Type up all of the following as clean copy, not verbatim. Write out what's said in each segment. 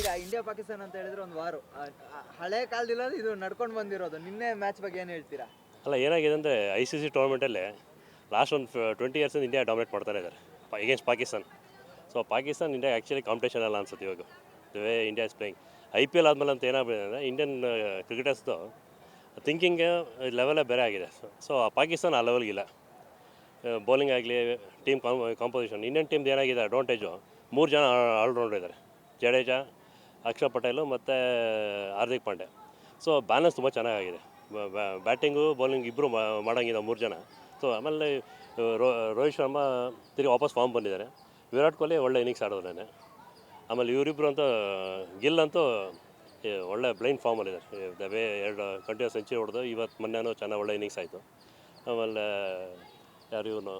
ಈಗ ಇಂಡಿಯಾ ಪಾಕಿಸ್ತಾನ ಅಂತ ಹೇಳಿದ್ರೆ ಒಂದು ವಾರು ಹಳೆ ಕಾಲದಿಂದ ಇದು ನಡ್ಕೊಂಡು ಬಂದಿರೋದು. ನಿನ್ನೆ ಮ್ಯಾಚ್ ಬಗ್ಗೆ ಏನು ಹೇಳ್ತೀರಾ? ಅಲ್ಲ, ಏನಾಗಿದೆ ಅಂದರೆ ICC ಟೂರ್ನಮೆಂಟಲ್ಲಿ ಲಾಸ್ಟ್ ಒಂದು 20 ಇಯರ್ಸಿಂದ ಇಂಡಿಯಾ ಡಾಮಿನೇಟ್ ಮಾಡ್ತಾನೆ ಇದ್ದಾರೆ against Pakistan. So Pakistan India actually competition ಅಲ್ಲ ಅನ್ಸುತ್ತೆ ಇವಾಗ, the way India is playing. IPL ಆದಮೇಲೆ ಅಂತ ಏನಾಗಿದೆ ಅಂದರೆ ಇಂಡಿಯನ್ ಕ್ರಿಕೆಟರ್ಸ್ದು ಥಿಂಕಿಂಗ್ ಲೆವೆಲೇ ಬೇರೆ ಆಗಿದೆ. ಸೊ ಪಾಕಿಸ್ತಾನ ಆ ಲೆವೆಲ್ಗಿಲ್ಲ. ಬೌಲಿಂಗ್ ಆಗಲಿ, ಟೀಮ್ ಕಾಂಪೋಸಿಷನ್. ಇಂಡಿಯನ್ ಟೀಮ್ದು ಏನಾಗಿದೆ ಅಡ್ವಾಂಟೇಜು, 3 ಜನ ಆಲ್ರೌಂಡರ್ ಇದ್ದಾರೆ, ಜಡೇಜಾ, ಅಕ್ಷರ್ ಪಟೇಲು ಮತ್ತು ಹಾರ್ದಿಕ್ ಪಾಂಡೆ. ಸೊ ಬ್ಯಾಲೆನ್ಸ್ ತುಂಬ ಚೆನ್ನಾಗಿದೆ. ಬ್ಯಾಟಿಂಗು ಬೌಲಿಂಗ್ ಇಬ್ಬರು ಮಾಡೋಂಗಿದೆ 3 ಜನ. ಸೊ ಆಮೇಲೆ ರೋಹಿತ್ ಶರ್ಮಾ ತಿರುಗಿ ವಾಪಸ್ ಫಾರ್ಮ್ ಬಂದಿದ್ದಾರೆ. ವಿರಾಟ್ ಕೊಹ್ಲಿ ಒಳ್ಳೆ ಇನ್ನಿಂಗ್ಸ್ ಆಡೋದ್ರೇನೆ. ಆಮೇಲೆ ಇವರಿಬ್ಬರು ಅಂತೂ ಗಿಲ್ ಅಂತೂ ಒಳ್ಳೆ ಬ್ಲೈಂಡ್ ಫಾರ್ಮಲ್ಲಿದ್ದಾರೆ. ದವೇ 2 ಕಂಟಿನ್ಯೂಸ್ ಸೆಂಚುರಿ ಹೊಡೆದು ಇವತ್ತು ಮೊನ್ನೆನೂ ಚೆನ್ನಾಗಿ ಒಳ್ಳೆ ಇನ್ನಿಂಗ್ಸ್ ಆಯಿತು. ಆಮೇಲೆ ಯಾರು ಇವನು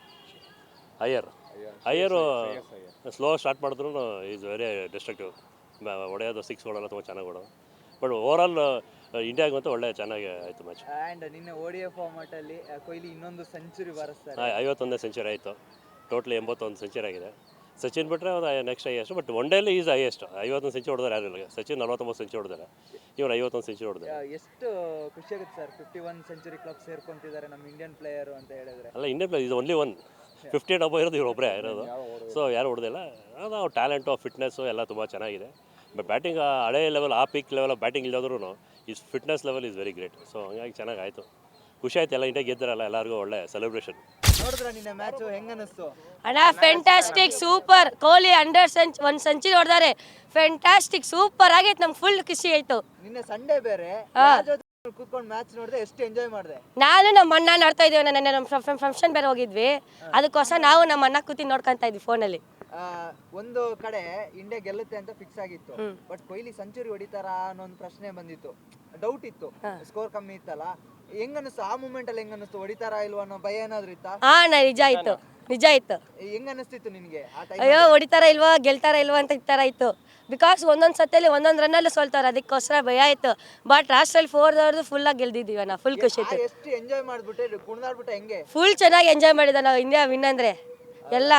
ಅಯ್ಯರು ಸ್ಲೋ ಸ್ಟಾರ್ಟ್ ಮಾಡಿದ್ರು ಈಸ್ ವೆರಿ ಡಿಸ್ಟ್ರಕ್ಟಿವ್. ಹೊಡೆಯೋದು 6 ಹೊಡೆಯೋಲ್ಲ, ತುಂಬ ಚೆನ್ನಾಗಿ ಹೊಡೋದು. ಬಟ್ ಓವರಾಲ್ ಇಂಡಿಯಾಗೆ ಅಂತೂ ಒಳ್ಳೆ ಚೆನ್ನಾಗಿ ಆಯಿತು ಮ್ಯಾಚ್. ಆ್ಯಂಡ್ ನಿನ್ನೆ ODI ಫಾರ್ಮ್ಯಾಟಲ್ಲಿ ಕೊಹ್ಲಿ ಇನ್ನೊಂದು ಸೆಂಚುರಿ ಬಾರಿಸ್ತಾರೆ. 51ನೇ ಸೆಂಚುರಿ ಆಯಿತು. ಟೋಟಲಿ 81 ಸೆಂಚುರಿ ಆಗಿದೆ. ಸಚಿನ್ ಬಿಟ್ಟರೆ ಒಂದು ನೆಕ್ಸ್ಟ್ ಹೈಯೆಸ್ಟ್. ಬಟ್ ಒನ್ ಡೇಲಿ ಈಸ್ ಹೈಯೆಸ್ಟ್. 51 ಸೆಂಚುರಿ ಹೊಡೆದಾರೆ ಯಾರು ಇಲ್ಲ. ಸಚಿನ್ 49 ಸೆಂಚುರಿ ಹೊಡೆದಾರೆ, ಇವ್ರು 51 ಸೆಂಚುರಿ ಹೊಡೆದಾರೆ. ಎಷ್ಟು ಖುಷಿ ಆಗುತ್ತೆ ಸರ್, 51 ಸೆಂಚುರಿ ಕ್ಲಬ್ ಸೇರ್ಕೊಂತಿದ್ದಾರೆ ನಮ್ಮ ಇಂಡಿಯನ್ ಪ್ಲೇಯರು ಅಂತ ಹೇಳಿದ್ರೆ. ಅಲ್ಲ, ಇಂಡಿಯನ್ ಪ್ಲೇಯರ್ ಇದು ಓನ್ಲಿ 50 ಡಬ್ಬ ಇರೋದು ಇವ್ರು ಒಬ್ಬರೇ ಇರೋದು. ಸೊ ಯಾರು ಹೊಡೆದಿಲ್ಲ. ಅದು ಅವ್ರ ಟ್ಯಾಲೆಂಟು, ಫಿಟ್ನೆಸ್ಸು ಎಲ್ಲ ತುಂಬ ಚೆನ್ನಾಗಿದೆ. ಬಟ್ ಬ್ಯಾಟಿಂಗ್ ಹಳೆ ಲೆವೆಲ್, ಆ ಪೀಕ್ ಲೆವೆಲ್ ಆಫ್ ಬ್ಯಾಟಿಂಗ್ ಇಲ್ಲದ್ರೂ is fitness level is very great. So ಹಂಗಾಗಿ ಚೆನ್ನಾಗಿ ಆಯಿತು. ಖುಷಿ ಆಯ್ತು. ಎಲ್ಲ ಇಂಡಿಯಾ ಗೆದ್ದಾರಲ್ಲ, ಎಲ್ಲರಿಗೂ ಒಳ್ಳೆ ಸೆಲೆಬ್ರೇಷನ್. ನೋಡಿದ್ರ ನಿನ್ನೆ ಮ್ಯಾಚ್ ಹೆಂಗ ಅನಿಸ್ತು? ಅಣ್ಣ ಫ್ಯಾಂಟಾಸ್ಟಿಕ್, ಸೂಪರ್. ಕೊಹ್ಲಿ 100 ಸೆಂಚುರಿ ಹೊಡೆದಾರೆ. ಫ್ಯಾಂಟಾಸ್ಟಿಕ್, ಸೂಪರ್ ಆಗೈತೆ. ನಮ್ಗೆ ಫುಲ್ ಖುಷಿ ಆಯ್ತು. ನಿನ್ನೆ ಸಂಡೇ ಬೇರೆ ಕೂತ್ಕೊಂಡು ಮ್ಯಾಚ್ ನೋಡಿದೆ. ಎಷ್ಟು ಎಂಜಾಯ್ ಮಾಡಿದೆ? ನಾನು ನಮ್ಮ ಅಣ್ಣ ನೋಡ್ತಾ ಇದೀವಿ. ನೆನ್ನೆ ನಮ್ಮ ಫಂಕ್ಷನ್ ಬೇರೆ ಹೋಗಿದ್ವಿ, ಅದಕ್ಕೋಸ್ಕರ ನಾವು ನಮ್ಮ ಅಣ್ಣ ಕೂತಿ ನೋಡ್ಕೊಂತ ಇದ್ವಿ ಫೋನಲ್ಲಿ. ಒಂದು ಕಡೆ ಇಂಡಿಯಾ ಗೆಲ್ಲುತ್ತೆ ಅಂತ ಫಿಕ್ಸ್ ಆಗಿತ್ತು. ಬಟ್ ಕೊಹ್ಲಿ ಸೆಂಚುರಿ ಹೊಡಿತಾರ ಅನ್ನೋ ಒಂದು ಪ್ರಶ್ನೆ ಬಂದಿತ್ತು, ಡೌಟ್ ಇತ್ತು. ಸ್ಕೋರ್ ಕಮ್ಮಿ ಇತ್ತಲ್ಲ, ಹೆಂಗ ಅನಿಸ್ತು ಆ ಮೂಮೆಂಟ್ ಅಲ್ಲಿ? ಹೆಂಗ ಅನಿಸ್ತು? ಹೊಡಿತಾರಾ ಇಲ್ವಾ ಅನ್ನೋ ಭಯ ಏನಾದ್ರು ಇತ್ತಾ? ನಿಜ ಆಯ್ತು, ನಿಜ ಆಯ್ತು. ಹೆಂಗ ಅನಿಸ್ತಿತ್ತು ನಿನ್ಗೆ? ಅಯ್ಯೋ, ಹೊಡಿತಾರ ಇಲ್ವಾ, ಗೆಲ್ತಾರ ಇಲ್ವಾ ಅಂತ ಈ ತರ ಇತ್ತು. ಬಿಕಾಸ್ ಒಂದೊಂದು ಸತಿಯಲ್ಲಿ ಒಂದೊಂದು ರನ್ನಲ್ಲಿ ಸೋಲ್ತಾರೆ, ಅದಕ್ಕೋಸ್ಕರ ಭಯ ಆಯ್ತು. ಬಟ್ ಲಾಸ್ಟಲ್ಲಿ 4 ಫುಲ್ ಆಗಿ ಗೆಲ್ದಿದ್ದೀವಿ ನಾವು. ಫುಲ್ ಖುಷಿ ಆಯ್ತು. ಎಷ್ಟು ಎಂಜಾಯ್ ಮಾಡ್ಬಿಟ್ಟೆ, ಕುಣಿದಾಡ್ಬಿಟ್ಟೆ ಹೆಂಗೆ? ಫುಲ್ ಚೆನ್ನಾಗಿ ಎಂಜಾಯ್ ಮಾಡಿದ ನಾವು. ಇಂಡಿಯಾ ವಿನ್ ಅಂದ್ರೆ ಎಲ್ಲ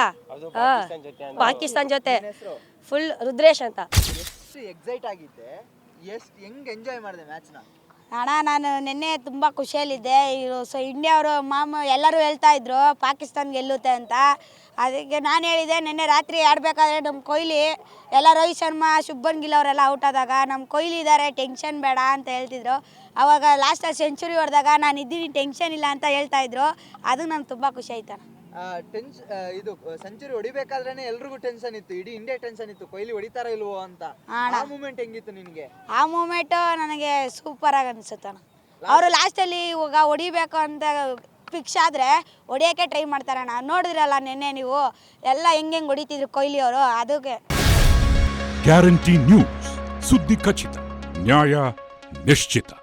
ಪಾಕಿಸ್ತಾನ ಜೊತೆ. ಫುಲ್ ರುದ್ರೇಶ್ ಅಂತ. ಎಷ್ಟು ಎಕ್ಸೈಟ್ ಆಗಿದ್ದೆ, ಎಷ್ಟು ಹೆಂಗ್ ಎಂಜಾಯ್ ಮಾಡಿದೆ ಮ್ಯಾಚ್ನ? ಅಣ್ಣ, ನಾನು ನಿನ್ನೆ ತುಂಬ ಖುಷಿಯಲ್ಲಿದ್ದೆ. ಸೊ ಇಂಡಿಯಾ ಅವರು ಎಲ್ಲರೂ ಹೇಳ್ತಾ ಇದ್ರು ಪಾಕಿಸ್ತಾನ ಗೆಲ್ಲುತ್ತೆ ಅಂತ. ಅದಕ್ಕೆ ನಾನು ಹೇಳಿದೆ, ನಿನ್ನೆ ರಾತ್ರಿ ಆಡಬೇಕಾದ್ರೆ ನಮ್ಮ ಕೊಹ್ಲಿ ಎಲ್ಲ ರೋಹಿತ್ ಶರ್ಮಾ, ಶುಭ್ಮನ್ ಗಿಲ್ ಅವರೆಲ್ಲ ಔಟ್ ಆದಾಗ ನಮ್ಮ ಕೊಹ್ಲಿ ಇದ್ದಾರೆ, ಟೆನ್ಷನ್ ಬೇಡ ಅಂತ ಹೇಳ್ತಿದ್ರು. ಆವಾಗ ಲಾಸ್ಟಲ್ಲಿ ಸೆಂಚುರಿ ಹೊಡೆದಾಗ ನಾನು ಇದ್ದೀನಿ, ಟೆನ್ಷನ್ ಇಲ್ಲ ಅಂತ ಹೇಳ್ತಾ ಇದ್ರು. ಅದು ನಂಗೆ ತುಂಬ ಖುಷಿ ಆಯ್ತು. ಇದು ಸೆಂಚುರಿ ಹೊಡಿಬೇಕಾದ್ರೆ ಎಲ್ರಿಗೂ ಟೆನ್ಷನ್ ಇತ್ತು, ಇಡೀ ಇಂಡಿಯಾ ಟೆನ್ಷನ್ ಇತ್ತು, ಕೊಹ್ಲಿ ಹೊಡಿತಾರ ಇಲ್ವೋ ಅಂತ. ಆ ಮೂಮೆಂಟ್ ಹೆಂಗಿತ್ತು ನಿನ್ಗೆ? ಆ ಮೂಮೆಂಟ್ ನನಗೆ ಸೂಪರ್ ಆಗಿ ಅನ್ಸುತ್ತಣ್ಣ. ಅವರು ಲಾಸ್ಟಲ್ಲಿ ಇವಾಗ ಹೊಡಿಬೇಕು ಅಂತ ಫಿಕ್ಸ್ ಆದರೆ ಹೊಡಿಯೋಕ್ಕೆ ಟ್ರೈ ಮಾಡ್ತಾರಣ್ಣ. ನೋಡಿದ್ರಲ್ಲ ನಿನ್ನೆ ನೀವು ಎಲ್ಲ ಹೆಂಗೆ ಹೊಡಿತಿದ್ರು ಕೊಹ್ಲಿ ಅವರು. ಅದಕ್ಕೆ ಗ್ಯಾರಂಟಿ ನ್ಯೂಸ್, ಸುದ್ದಿ ಖಚಿತ, ನ್ಯಾಯ ನಿಶ್ಚಿತ.